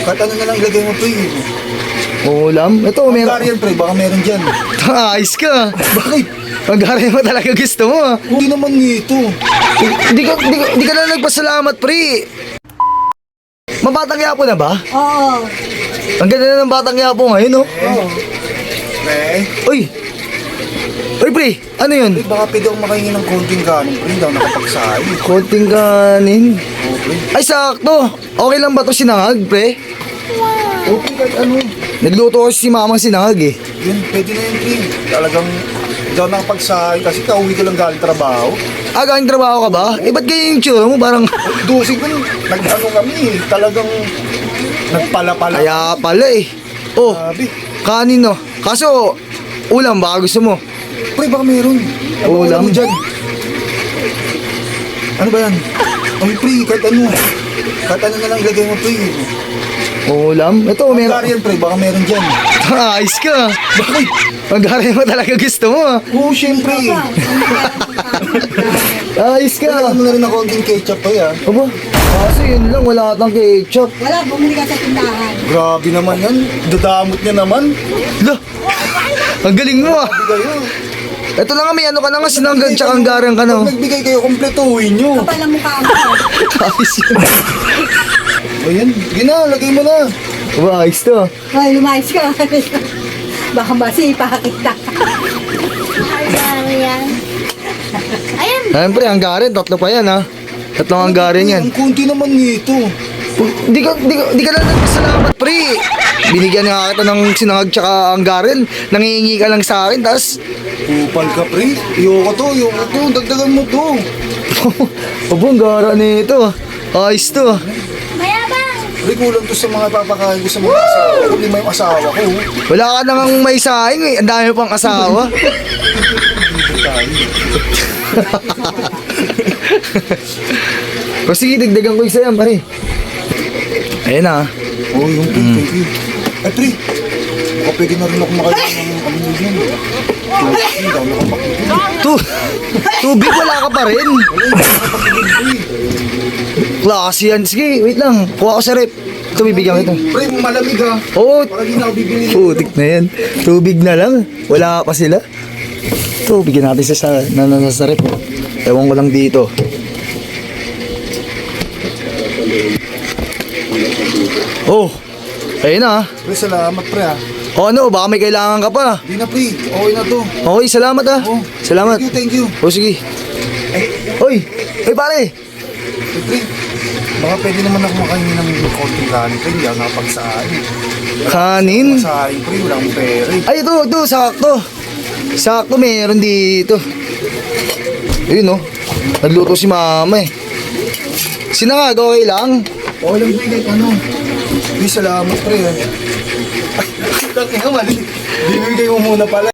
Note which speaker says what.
Speaker 1: Kahit ano na lang ilagay mo, pre.
Speaker 2: Ulam? Ito, meron.
Speaker 1: Hungarian, pre. Baka meron dyan.
Speaker 2: Ayos ka.
Speaker 1: Bakit?
Speaker 2: Hungarian mo talaga gusto mo.
Speaker 1: Hindi naman nito.
Speaker 2: Hindi ka na nagpasalamat, pre. Mabatang yapo na ba?
Speaker 3: Oo.
Speaker 2: Ang ganda na ng batang yapo ngayon, no?
Speaker 3: Oo.
Speaker 1: Pre.
Speaker 2: Uy! Uy, pre! Ano yun?
Speaker 1: Pre, baka pwede akong makahingi ng konting kanin, pre. Hindi ako nakapagsahin.
Speaker 2: Konting kanin.
Speaker 1: Oo, pre.
Speaker 2: Ay, sakto! Okay lang ba ito sinangag, pre?
Speaker 1: Okay, kahit ano.
Speaker 2: Nagluto ko si mamang sinangag, eh.
Speaker 1: Yun, pwede na yun, pre. Talagang hindi ako nakapagsahin kasi kauwi ko lang galing trabaho.
Speaker 2: Galing trabaho ka ba? Eh, ba't ganyan yung tsura mo? Parang,
Speaker 1: Dusig ko, nag-ano kami, talagang nagpala-pala.
Speaker 2: kaya pala, eh. Oh,
Speaker 1: Sabi,
Speaker 2: kanin, no? Kaso, ulam, baka gusto mo.
Speaker 1: pre, baka meron.
Speaker 2: Ulam?
Speaker 1: Mo dyan. Ano ba yan? Ay, pre, kahit ano. Kahit ano na lang ilagay mo, pre.
Speaker 2: Ulam? Ito, meron.
Speaker 1: Hungarian, pre, baka meron dyan.
Speaker 2: Ayos ka.
Speaker 1: Bakit?
Speaker 2: Hungarian mo talaga gusto mo, ah.
Speaker 1: Oo, syempre.
Speaker 2: Ayos ka.
Speaker 1: Ano na rin ng konting ketchup pa yan.
Speaker 2: Aba, kaso yun lang, wala atang ketchup.
Speaker 3: Wala, bumili ka sa tindahan.
Speaker 1: Grabe naman yan. Dadamot niya naman.
Speaker 2: Lah, ang galing mo, ah.
Speaker 1: Sabi kayo.
Speaker 2: Ito na nga, may ano ka na nga, sinanggan tsaka hanggaran ka na.
Speaker 1: Pag nagbigay kayo, kompletuhin nyo.
Speaker 3: Kapal ang mukha mo.
Speaker 2: Ayos yun.
Speaker 1: Ayan, yun na, lagay mo na.
Speaker 2: Aba, ayos to.
Speaker 3: Ay, lumayas ka. Baka masipa kita.
Speaker 2: Siyempre, hanggaran, tatlo pa yan, ha. Tatlong hanggaran yan.
Speaker 1: Ang kunti naman nito.
Speaker 2: Di ka na nagpasalamat, pre. Binigyan nga kita ng sinangag tsaka hanggaran. Nangihingi ka lang sa akin, tas...
Speaker 1: Kupal ka, pre. Iyoko to. Dagdagan mo to.
Speaker 2: Aba, hanggaran nito. Ayos to.
Speaker 1: Pre, kulang to sa mga papakain ko sa mga asawa ko. Lima yung asawa ko.
Speaker 2: Wala ka nang may saing, eh. Ang dami pang asawa. O sige, dagdagan ko isa yan, pare. Ayan na.
Speaker 1: Oo, yung pre, thank you. Ay, pre. Baka pwede na rin ako makain ng ano yun. Hindi ako nakapakita.
Speaker 2: Tubig, wala ka pa rin.
Speaker 1: Wala, hindi ako nakapakita, pre.
Speaker 2: Klase yan. Sige, wait lang. Kuha ko sa rep. Ito, bibigyan kita.
Speaker 1: Pre, malamig ha.
Speaker 2: Oo.
Speaker 1: Para di na ako bibili.
Speaker 2: Putik na yan. Tubig na lang. Wala pa sila. Ito, bigyan natin sa rep. Ewan ko lang dito. Oh, ayun na.
Speaker 1: Pre, salamat, pre ha.
Speaker 2: O ano, baka may kailangan ka pa.
Speaker 1: Hindi na, pre. Okay na to.
Speaker 2: Okay, salamat ah.
Speaker 1: Oh,
Speaker 2: Salamat.
Speaker 1: Thank you.
Speaker 2: O sige. Oy, pare.
Speaker 1: Eh, pre, baka pwede naman ako makain ng konting kanin, pre. Hindi ako nakapagsahin.
Speaker 2: Kanin.
Speaker 1: Masahin, pre. Wala akong pera eh.
Speaker 2: Ay, ito, sakto. Sakto, meron dito. Ayun, oh. Nagluto si mama eh. Sinangag, okay lang?
Speaker 1: Okay lang, pre. Kahit ano. Pre, salamat, pre. Ay, tangin ka, mali. Bibigay mo muna pala.